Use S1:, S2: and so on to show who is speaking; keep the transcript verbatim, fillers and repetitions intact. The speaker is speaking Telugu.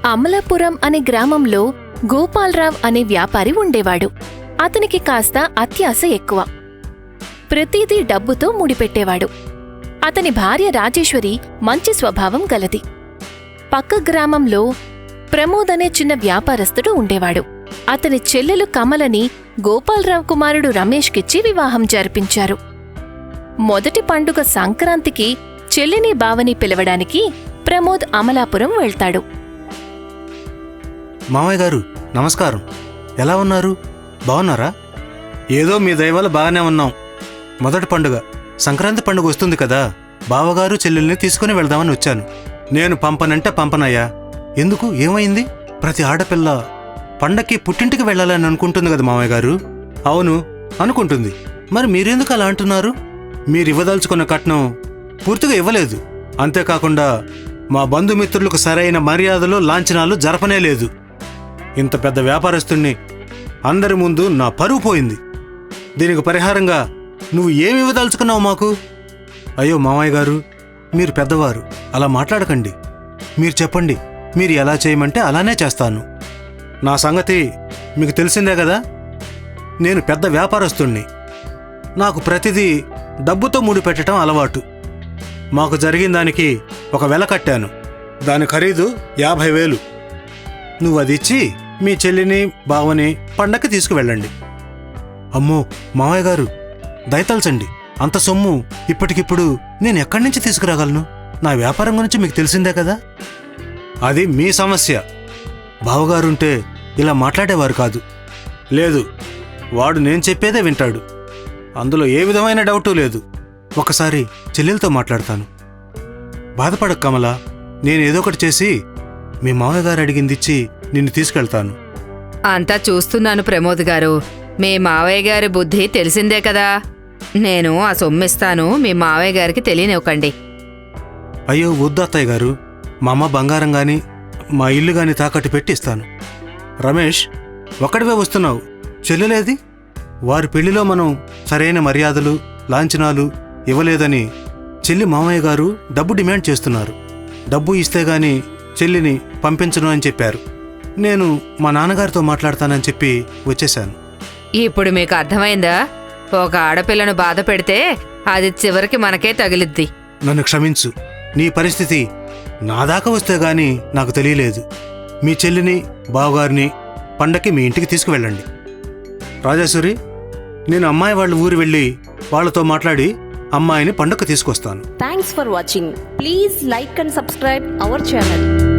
S1: అమలాపురం అనే గ్రామంలో గోపాలరావు అనే వ్యాపారి ఉండేవాడు. అతనికి కాస్త అత్యాశ ఎక్కువ. ప్రతిదీ డబ్బుతో ముడిపెట్టేవాడు. అతని భార్య రాజేశ్వరి మంచి స్వభావం గలది. పక్క గ్రామంలో ప్రమోద్ అనే చిన్న వ్యాపారస్తుడు ఉండేవాడు. అతని చెల్లెలు కమలని గోపాలరావు కుమారుడు రమేష్కిచ్చి వివాహం జరిపించారు. మొదటి పండుగ సంక్రాంతికి చెల్లిని బావని పిలవడానికి ప్రమోద్ అమలాపురం వెళ్తాడు.
S2: మామయ్య గారు నమస్కారం. ఎలా ఉన్నారు? బాగున్నారా? ఏదో మీ దయవల్ల బాగానే ఉన్నాం. మొదటి పండుగ సంక్రాంతి పండుగ వస్తుంది కదా, బావగారు చెల్లెల్ని తీసుకుని వెళ్దామని వచ్చాను. నేను పంపనంటే పంపనయ్యా. ఎందుకు, ఏమైంది? ప్రతి ఆడపిల్ల పండక్కి పుట్టింటికి వెళ్ళాలని అనుకుంటుంది కదా మామయ్య గారు. అవును అనుకుంటుంది. మరి మీరెందుకు అలా అంటున్నారు? మీరివ్వదలుచుకున్న కట్నం పూర్తిగా ఇవ్వలేదు. అంతేకాకుండా మా బంధుమిత్రులకు సరైన మర్యాదలు లాంఛనాలు జరపనే లేదు. ఇంత పెద్ద వ్యాపారస్తుణ్ణి అందరి ముందు నా పరువు పోయింది. దీనికి పరిహారంగా నువ్వు ఏమి ఇవ్వదలుచుకున్నావు మాకు? అయ్యో మామయ్య గారు, మీరు పెద్దవారు, అలా మాట్లాడకండి. మీరు చెప్పండి, మీరు ఎలా చేయమంటే అలానే చేస్తాను. నా సంగతి మీకు తెలిసిందే కదా. నేను పెద్ద వ్యాపారస్తుణ్ణి. నాకు ప్రతిదీ డబ్బుతో ముడిపెట్టడం అలవాటు. మాకు జరిగిన దానికి ఒక వెల కట్టాను. దాని ఖరీదు యాభై వేలు. నువ్వు అది ఇచ్చి మీ చెల్లిని బావని పండక్కి తీసుకువెళ్ళండి. అమ్మో మామయ్య గారు, దయతలచండి. అంత సొమ్ము ఇప్పటికిప్పుడు నేను ఎక్కడి నుంచి తీసుకురాగలను? నా వ్యాపారం గురించి మీకు తెలిసిందే కదా. అది మీ సమస్య. బావగారుంటే ఇలా మాట్లాడేవారు కాదు. లేదు, వాడు నేను చెప్పేదే వింటాడు. అందులో ఏ విధమైన డౌటు లేదు. ఒకసారి చెల్లెలతో మాట్లాడతాను. బాధపడక కమలా, నేనేదో ఒకటి చేసి మీ మామయ్య గారు అడిగిందిచ్చి నిన్ను తీసుకెళ్తాను.
S3: అంతా చూస్తున్నాను ప్రమోద్ గారు. మీ మావయ్య గారి బుద్ధి తెలిసిందే కదా. నేను ఆ సొమ్మిస్తాను, మీ మావయ్య గారికి తెలియనివ్వకండి.
S2: అయ్యో వద్దు అత్తయ్య గారు. మా అమ్మ బంగారం గాని మా ఇల్లు గాని తాకట్టు పెట్టి ఇస్తాను. రమేష్, ఒక్కడివే వస్తున్నావు, చెల్లెలేది? వారి పెళ్లిలో మనం సరైన మర్యాదలు లాంఛనాలు ఇవ్వలేదని చెల్లి మామయ్య గారు డబ్బు డిమాండ్ చేస్తున్నారు. డబ్బు ఇస్తే గాని చెల్లిని పంపించను అని చెప్పారు. నేను మా నాన్నగారితో మాట్లాడతానని చెప్పి వచ్చేశాను.
S3: ఇప్పుడు మీకు అర్థమైందా? ఒక ఆడపిల్లను బాధ పెడితే అది చివరికి మనకే తగిలిద్ది.
S2: నన్ను క్షమించు. నీ పరిస్థితి నా దాకా వస్తే గాని నాకు తెలియలేదు. మీ చెల్లిని బావగారిని పండక్కి మీ ఇంటికి తీసుకువెళ్ళండి. రాజేశ్వరి, నేను అమ్మాయి వాళ్ళ ఊరు వెళ్ళి వాళ్ళతో మాట్లాడి అమ్మాయిని పండక్కి తీసుకొస్తాను.
S4: Thanks for watching. Please like and subscribe our channel.